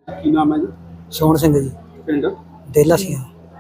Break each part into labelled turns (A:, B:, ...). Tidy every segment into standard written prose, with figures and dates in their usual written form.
A: ਕੀ ਨਾਮ ਹੈ ਜੀ?
B: ਸੋਹਣ ਸਿੰਘ ਜੀ,
A: ਪਿੰਡ
B: ਦੇਲਾ ਸੀ।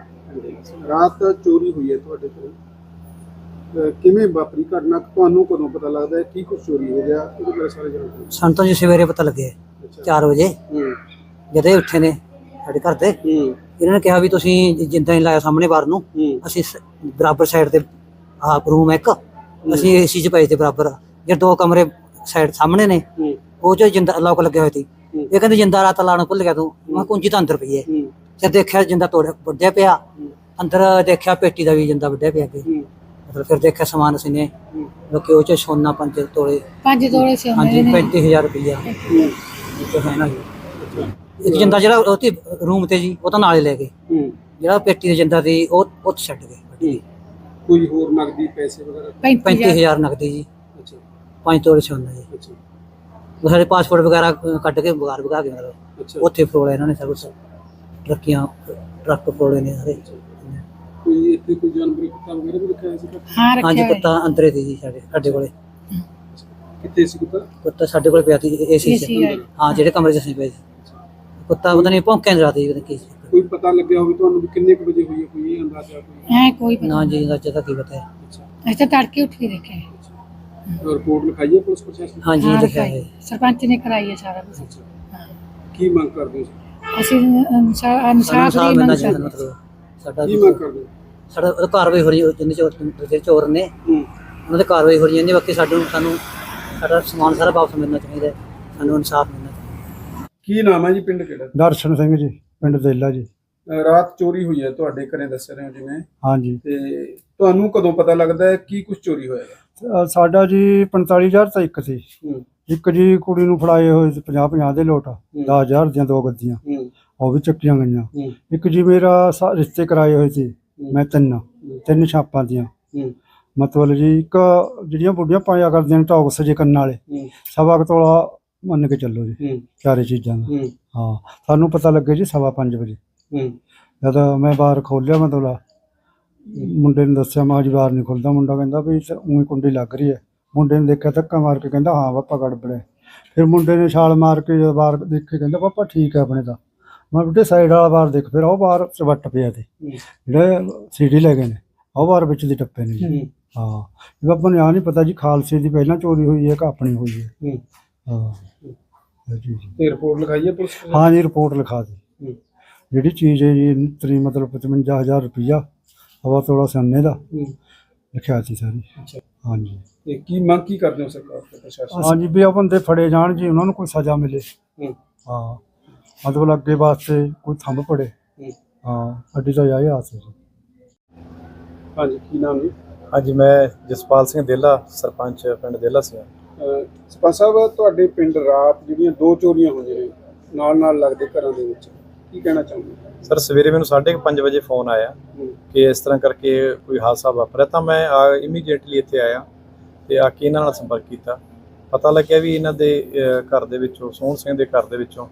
A: ਰਾਤ ਚੋਰੀ ਹੋਈ ਹੈ ਤੁਹਾਡੇ ਕੋਲ, ਕਿਵੇਂ ਵਾਪਰੀ ਘਟਨਾ? ਤੁਹਾਨੂੰ ਕਦੋਂ ਪਤਾ ਲੱਗਦਾ ਹੈ ਕੀ ਕੁਝ ਚੋਰੀ ਹੋ ਗਿਆ? ਇਹਦੇ ਬਾਰੇ ਸਾਰੇ ਜਾਣਕਾਰੀ।
B: ਸਾਨੂੰ ਤਾਂ ਜੀ ਸਵੇਰੇ ਪਤਾ ਲੱਗਿਆ 4 ਵਜੇ ਜਦੋਂ ਇਹ ਉੱਠੇ ਨੇ ਸਾਡੇ ਘਰ ਦੇ। ਇਹਨਾਂ ਨੇ ਕਿਹਾ ਵੀ ਤੁਸੀਂ ਜਿੰਦਾ ਹੀ ਲਾਇਆ ਸਾਹਮਣੇ ਬਾਹਰ ਨੂੰ, ਅਸੀਂ ਬਰਾਬਰ ਸਾਈਡ ਤੇ ਰੂਮ ਇੱਕ ਅਸੀਂ ਏਸੀ 'ਚ ਪਏ ਤੇ ਬਰਾਬਰ ਜੇ 2 ਕਮਰੇ ਸਾਈਡ ਸਾਹਮਣੇ ਨੇ ਉਹ 'ਚ ਜਿੰਦਾ ਲੋਕ ਲੱਗਿਆ ਹੋਇਆ ਸੀ। ਇਹ ਕਹਿੰਦੇ ਜਿੰਦਾ ਰਾਤ ਲਾਉਣ ਭੁੱਲ ਗਿਆ ਤੂੰ। ਮੈਂ ਕੁੰਜੀ ਤਾਂ ਅੰਦਰ ਪਈ ਹੈ। ਜਦ ਦੇਖਿਆ ਜਿੰਦਾ ਵੱਢਿਆ ਪਿਆ, ਅੰਦਰ ਦੇਖਿਆ ਪੇਟੀ ਦਾ ਵੀ ਜਿੰਦਾ ਵੱਢਿਆ ਪਿਆ ਕਿ ਮਤਲਬ। ਫਿਰ ਦੇਖਿਆ ਸਮਾਨ ਅਸੀਂ ਨੇ ਲੋਕੀ ਉਹ 'ਚ ਸੋਨਾ 5 ਤੋਲੇ ਹਾਂਜੀ 35,000 ਰੁਪਈਆ ਹੈ ਨਾ ਜੀ। ਇੱਕ ਜਿੰਦਾ ਜਿਹੜਾ ਉਹ ਰੂਮ ਤੇ ਜੀ ਉਹ ਤਾਂ ਨਾਲੇ ਲੈ ਗਏ, ਜਿਹੜਾ ਪੇਟੀ ਦਾ ਜਿੰਦਾ ਸੀ ਉਹ ਛੱਡ ਗਏ।
A: ਕੋਈ ਹੋਰ ਨਗਦੀ ਪੈਸੇ ਵਗੈਰਾ?
B: 35,000 ਨਗਦੀ ਜੀ, 5 ਤੋਲੇ ਸੋਨਾ ਜੀ। ਸਾਡੇ ਪਾਸਪੋਰਟ ਵਗੈਰਾ ਕੱਢ ਕੇ ਬਗਾਰ ਵਗਾ ਕੇ ਮਤਲਬ ਉੱਥੇ ਫਰੋਲਿਆ ਇਹਨਾਂ ਨੇ ਸਭ ਕੁਛ। ਟਰੱਕ ਫਰੋਲੇ ਨੇ ਸਾਰੇ।
A: ਕੋਈ ਇੱਥੇ ਕੋਈ ਜਾਨਵਰ ਕੁੱਤਾ ਵਗੈਰਾ ਵੀ ਰੱਖਿਆ ਸੀ?
B: ਹਾਂਜੀ ਕੁੱਤਾ ਅੰਦਰੇ ਸੀ ਜੀ ਸਾਡੇ ਕੋਲੇ।
A: ਕਿੱਥੇ ਸੀ ਕੁੱਤਾ?
B: ਕੁੱਤਾ ਸਾਡੇ ਕੋਲ ਪਿਆ ਸੀ ਏਸੀ 'ਚ। ਹਾਂ, ਜਿਹੜੇ ਕਮਰੇ 'ਚ ਅਸੀਂ ਪਏ ਸੀ। ਕੁੱਤਾ ਪਤਾ ਨਹੀਂ ਭੌਂਕਿਆ ਰਾਤ ਜੀ ਕੀ ਸੀ।
A: ਕੋਈ ਪਤਾ ਲੱਗਿਆ ਹੋਵੇ ਤੁਹਾਨੂੰ ਵੀ ਕਿੰਨੇ ਕੁ ਵਜੇ ਹੋਈ ਹੈ? ਕੋਈ ਅੰਦਾਜ਼ਾ?
C: ਕੋਈ
B: ਨਾ ਜੀ, ਅੰਦਾਜ਼ਾ ਤਾਂ ਕੀ ਪਤਾ ਹੈ।
C: ਅਸੀਂ ਤਾਂ ਤੜਕੇ ਉੱਠ ਕੇ ਦੇਖਿਆ।
A: ਰਿਪੋਰਟ ਲਿਖਾਈ ਹੈ ਪੁਲਿਸ ਪ੍ਰਸ਼ਾਸਨ?
B: ਹਾਂਜੀ ਲਿਖਿਆ ਹੈ,
C: ਸਰਪੰਚ ਨੇ ਕਰਾਈ ਹੈ ਸਾਰਾ ਕੁਝ।
A: ਕੀ ਮੰਗ ਕਰਦੇ ਹੋ?
C: ਅਸੀਂ ਇਨਸਾਫ ਦੀ ਮੰਗ ਕਰਦੇ।
B: ਮਤਲਬ ਸਾਡਾ
A: ਕੀ ਮੰਗ ਕਰਦੇ ਹੋ?
B: ਸਾਡਾ ਕਾਰਵਾਈ ਹੋ ਰਹੀ ਹੈ, ਜਿੰਨੇ ਚੋਰ ਨੇ ਉਹਨਾਂ ਦੀ ਕਾਰਵਾਈ ਹੋ ਰਹੀ ਹੈ। ਬਾਕੀ ਸਾਨੂੰ ਸਾਡਾ ਸਮਾਨ ਸਾਰਾ ਵਾਪਸ ਮਿਲਣਾ ਚਾਹੀਦਾ ਹੈ, ਸਾਨੂੰ ਇਨਸਾਫ ਮਿਲਣਾ ਚਾਹੀਦਾ।
A: ਕੀ ਨਾਮ ਹੈ ਜੀ? ਪਿੰਡ ਕਿਹੜਾ?
D: ਦਰਸ਼ਨ ਸਿੰਘ ਜੀ, ਪਿੰਡ ਦੇਲਾ ਜੀ।
A: ਰਾਤ ਚੋਰੀ ਹੋਈ ਹੈ ਤੁਹਾਡੇ ਘਰੇ ਦੱਸ ਰਹੇ ਹੋ ਜਿਵੇਂ,
D: ਹਾਂਜੀ।
A: ਤੇ ਤੁਹਾਨੂੰ ਕਦੋਂ ਪਤਾ ਲੱਗਦਾ ਹੈ ਕੀ ਕੁਝ ਚੋਰੀ ਹੋਇਆ?
D: ਸਾਡਾ ਜੀ 45,000 ਤਾਂ ਇੱਕ ਸੀ। ਇੱਕ ਜੀ ਕੁੜੀ ਨੂੰ ਫੜਾਏ ਹੋਏ 50-50 ਦੇ ਲੋਟ, 10,000 ਦੀਆਂ 2 ਗੱਦੀਆਂ ਉਹ ਵੀ ਚੱਕੀਆਂ ਗਈਆਂ। ਇੱਕ ਜੀ ਮੇਰਾ ਰਿਸ਼ਤੇ ਕਰਾਏ ਹੋਏ ਸੀ ਮੈਂ 3 ਛਾਪਾਂ ਦੀਆਂ। ਮਤਲਬ ਜੀ ਇੱਕ ਜਿਹੜੀਆਂ ਬੁੱਢੀਆਂ ਪਾਇਆ ਕਰਦੀਆਂ ਨੇ ਟੌਕਸ ਜੇ ਕੰਨਾਂ ਵਾਲੇ, 1.25 ਤੋਲਾ ਮੰਨ ਕੇ ਚੱਲੋ ਜੀ ਚਾਰੇ ਚੀਜ਼ਾਂ ਦਾ। ਹਾਂ, ਸਾਨੂੰ ਪਤਾ ਲੱਗੇ ਜੀ 5:15 ਵਜੇ ਜਦ ਮੈਂ ਬਾਹਰ ਖੋਲਿਆ। ਮਤਲਬ ਮੁੰਡੇ ਨੂੰ ਦੱਸਿਆ, ਮਾਂ ਜੀ ਬਾਹਰ ਨਹੀਂ ਖੁੱਲਦਾ। ਮੁੰਡਾ ਕਹਿੰਦਾ ਵੀ ਉਹੀ ਕੁੰਡੀ ਲੱਗ ਰਹੀ ਹੈ। ਮੁੰਡੇ ਨੇ ਦੇਖਿਆ, ਧੱਕਾ ਮਾਰ ਕੇ ਕਹਿੰਦਾ ਹਾਂ ਪਾਪਾ ਗੜਬੜ ਹੈ। ਫਿਰ ਮੁੰਡੇ ਨੇ ਛਾਲ ਮਾਰ ਕੇ ਜਦ ਬਾਹਰ ਦੇਖੇ ਕਹਿੰਦਾ ਪਾਪਾ ਠੀਕ ਹੈ ਆਪਣੇ ਤਾਂ। ਮੈਂ ਬੇਟੇ ਸਾਈਡ ਵਾਲਾ ਬਾਹਰ ਦੇਖ। ਫਿਰ ਉਹ ਬਾਹਰ ਚਵੱਟ ਪਿਆ ਤੇ ਜਿਹੜੇ ਸੀਡੀ ਲੈ ਗਏ ਨੇ ਉਹ ਬਾਹਰ ਵਿੱਚ ਦੀ ਟੱਪੇ ਨੇ ਜੀ। ਹਾਂ, ਆਪਾਂ ਨੂੰ ਆ ਨਹੀਂ ਪਤਾ ਜੀ ਖਾਲਸੇ ਦੀ ਪਹਿਲਾਂ ਚੋਰੀ ਹੋਈ ਹੈ ਕਿ ਆਪਣੀ ਹੋਈ ਹੈ। ਹਾਂ ਜੀ।
A: ਤੇ ਰਿਪੋਰਟ ਲਿਖਾਈ ਹੈ ਪੁਲਿਸ?
D: ਹਾਂ ਜੀ, ਰਿਪੋਰਟ ਲਿਖਾ ਦੀ। ਜਿਹੜੀ ਚੀਜ਼ ਹੈ ਜੀ ਤਰੀ ਮਤਲਬ 55,000 ਰੁਪਈਆ, 1.25 ਤੋਲਾ ਸੋਨੇ ਦਾ ਲਿਖਿਆ ਸੀ ਸਾਰੀ। ਹਾਂਜੀ।
A: ਤੇ ਕੀ ਮੰਗ ਕੀ ਕਰਦੇ ਹੋ ਸਰਕਾਰ ਤੇ ਪ੍ਰਸ਼ਾਸਨ?
D: ਹਾਂਜੀ, ਵੀ ਉਹ ਬੰਦੇ ਫੜੇ ਜਾਣ ਜੀ, ਉਹਨਾਂ ਨੂੰ ਕੋਈ ਸਜ਼ਾ ਮਿਲੇ। ਹਾਂ, ਮਤਲਬ ਅੱਗੇ ਵਾਸਤੇ ਕੋਈ ਥੰਮ ਪੜੇ। ਹਾਂ, ਅੱਡੀ ਤਾਂ ਆਏ ਆਸ ਹੈ ਜੀ।
A: ਹਾਂਜੀ, ਕੀ ਨਾਮ ਜੀ?
E: ਹਾਂਜੀ, ਮੈਂ ਜਸਪਾਲ ਸਿੰਘ ਦੇਲਾ, ਸਰਪੰਚ ਪਿੰਡ ਦੇਲਾ ਸਿੰਘ।
A: ਸਰਪੰਚ ਸਾਹਿਬ, ਤੁਹਾਡੇ ਪਿੰਡ ਰਾਤ ਜਿਹੜੀਆਂ 2 ਚੋਰੀਆਂ ਹੋਈਆਂ ਨੇ ਨਾਲ ਲੱਗਦੇ ਘਰਾਂ ਦੇ ਵਿੱਚ, ਕੀ ਕਹਿਣਾ ਚਾਹੁੰਦੇ?
E: ਸਰ, ਸਵੇਰੇ ਮੈਨੂੰ 5:30 ਵਜੇ ਫੋਨ ਆਇਆ ਕਿ ਇਸ ਤਰ੍ਹਾਂ ਕਰਕੇ ਕੋਈ ਹਾਦਸਾ ਵਾਪਰਿਆ। ਤਾਂ ਮੈਂ ਇਮੀਡੀਏਟਲੀ ਇੱਥੇ ਆਇਆ ਤੇ ਆ ਕੇ ਇਹਨਾਂ ਨਾਲ ਸੰਪਰਕ ਕੀਤਾ। ਪਤਾ ਲੱਗਿਆ ਵੀ ਇਹਨਾਂ ਦੇ ਘਰ ਦੇ ਵਿੱਚੋਂ, ਸੋਹਣ ਸਿੰਘ ਦੇ ਘਰ ਦੇ ਵਿੱਚੋਂ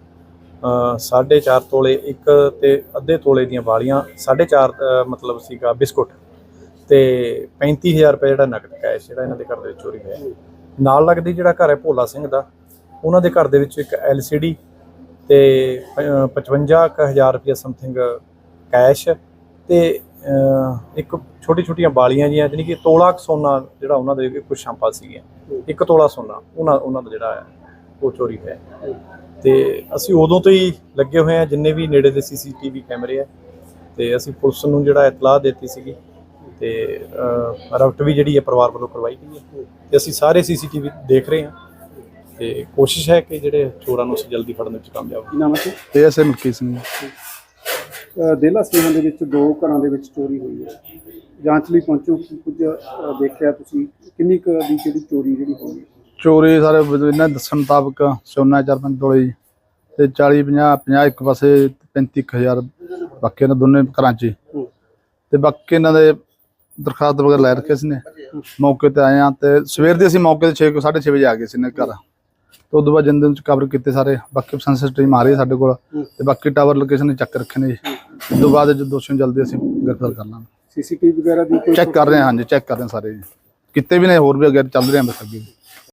E: 4.5 ਤੋਲੇ ਇੱਕ ਤੇ ਅੱਧੇ ਤੋਲੇ ਦੀਆਂ ਵਾਲੀਆਂ, 4.5 ਮਤਲਬ ਸੀਗਾ ਬਿਸਕੁਟ, ਤੇ 35,000 ਰੁਪਏ ਜਿਹੜਾ ਨਕਦ ਕੈਸ਼ ਜਿਹੜਾ ਇਹਨਾਂ ਦੇ ਘਰ ਦੇ ਵਿੱਚ ਚੋਰੀ ਹੋਇਆ। ਨਾਲ ਲੱਗਦੀ ਜਿਹੜਾ ਘਰ ਹੈ ਭੋਲਾ ਸਿੰਘ ਦਾ, ਉਹਨਾਂ ਦੇ ਘਰ ਦੇ ਵਿੱਚ ਇੱਕ LCD ਤੇ 55,000 ਰੁਪਏ ਸਮਥਿੰਗ ਕੈਸ਼ ਤੇ ਇੱਕ ਛੋਟੀਆਂ ਵਾਲੀਆਂ ਜੀਆਂ, ਜਾਣੀ ਕਿ ਤੋਲਾ ਸੋਨਾ ਜਿਹੜਾ ਉਹਨਾਂ ਦੇ ਕੁਝ ਸ਼ਾਂਪਾਂ ਸੀਗੀਆਂ, 1 ਤੋਲਾ ਸੋਨਾ ਉਹਨਾਂ ਦਾ ਜਿਹੜਾ ਹੈ ਉਹ ਚੋਰੀ ਹੋਇਆ। ਤੇ ਅਸੀਂ ਉਦੋਂ ਤੋਂ ਹੀ ਲੱਗੇ ਹੋਏ ਹਾਂ, ਜਿੰਨੇ ਵੀ ਨੇੜੇ ਦੇ CCTV ਕੈਮਰੇ ਹੈ, ਤੇ ਅਸੀਂ ਪੁਲਿਸ ਨੂੰ ਜਿਹੜਾ ਇਤਲਾਹ ਦਿੱਤੀ ਸੀਗੀ ਤੇ ਰਫਟ ਵੀ ਜਿਹੜੀ ਹੈ ਪਰਿਵਾਰ ਵੱਲੋਂ ਕਰਵਾਈ ਗਈ ਹੈ। ਤੇ ਅਸੀਂ ਸਾਰੇ CCTV ਦੇਖ ਰਹੇ ਹਾਂ ਤੇ ਕੋਸ਼ਿਸ਼ ਹੈ ਕਿ ਜਿਹੜੇ ਚੋਰਾਂ ਨੂੰ ਅਸੀਂ ਜਲਦੀ ਫੜਨ ਵਿੱਚ ਕਾਮਯਾਬ
A: ਕੀ ਨਾਮ ਹੈ?
D: ASM ਮਲਕੀਤ ਸਿੰਘ।
A: ਦੇਲਾ ਸਿੰਘਾਂ ਦੇ ਵਿੱਚ 2 ਘਰਾਂ ਦੇ ਵਿੱਚ ਚੋਰੀ ਹੋਈ ਹੈ, ਜਾਂਚ ਲਈ ਪਹੁੰਚੋ, ਕੁਝ ਦੇਖਿਆ ਤੁਸੀਂ? ਕਿੰਨੀ ਕੁ ਦੀ ਜਿਹੜੀ ਚੋਰੀ ਹੋਈ ਹੈ?
D: ਚੋਰੀ ਸਾਰੇ ਇਹਨਾਂ ਦੱਸਣ ਮੁਤਾਬਕ ਸੋਨਾ 4-5 ਤੋਲੇ ਤੇ 40-50 ਇੱਕ ਪਾਸੇ 35,000 ਬਾਕੀ ਇਹਨਾਂ ਦੋਨੇ ਘਰਾਂ 'ਚ। ਤੇ ਬਾਕੀ ਇਹਨਾਂ ਦੇ ਦਰਖਾਸਤ ਵਗੈਰਾ ਲੈ ਰੱਖੇ ਸੀ ਨੇ। ਮੌਕੇ ਤੇ ਆਏ ਹਾਂ ਤੇ ਸਵੇਰ ਦੇ ਅਸੀਂ ਮੌਕੇ ਤੇ 6:30 ਵਜੇ ਆ ਗਏ ਸੀ ਨੇ ਘਰ। ਤੇ ਉਦੋਂ ਬਾਅਦ ਜਿੰਦੇ ਵਿੱਚ ਕਵਰ ਕੀਤੇ ਸਾਰੇ। ਬਾਕੀ ਸੈਂਸਰ ਟੀਮ ਆ ਰਹੀ ਹੈ ਸਾਡੇ ਕੋਲ ਤੇ ਬਾਕੀ ਟਾਵਰ ਲੋਕੇਸ਼ਨ ਚੱਕ ਰੱਖੇ ਨੇ ਜੀ। ਉਸ ਤੋਂ ਬਾਅਦ ਜੋ ਦੋਸ਼ੀ ਜਲਦੀ ਅਸੀਂ ਗ੍ਰਿਫਤਾਰ ਕਰ ਲਾਂਗੇ।
A: CCTV ਵਗੈਰਾ ਦੀ
D: ਚੈੱਕ ਕਰ ਰਹੇ ਹਾਂ। ਹਾਂਜੀ, ਚੈੱਕ ਕਰ ਰਹੇ ਹਾਂ ਸਾਰੇ ਜੀ, ਕਿਤੇ ਵੀ ਨੇ, ਹੋਰ ਵੀ ਅੱਗੇ ਚੱਲ ਰਹੇ ਹਾਂ ਬਸ ਅੱਗੇ।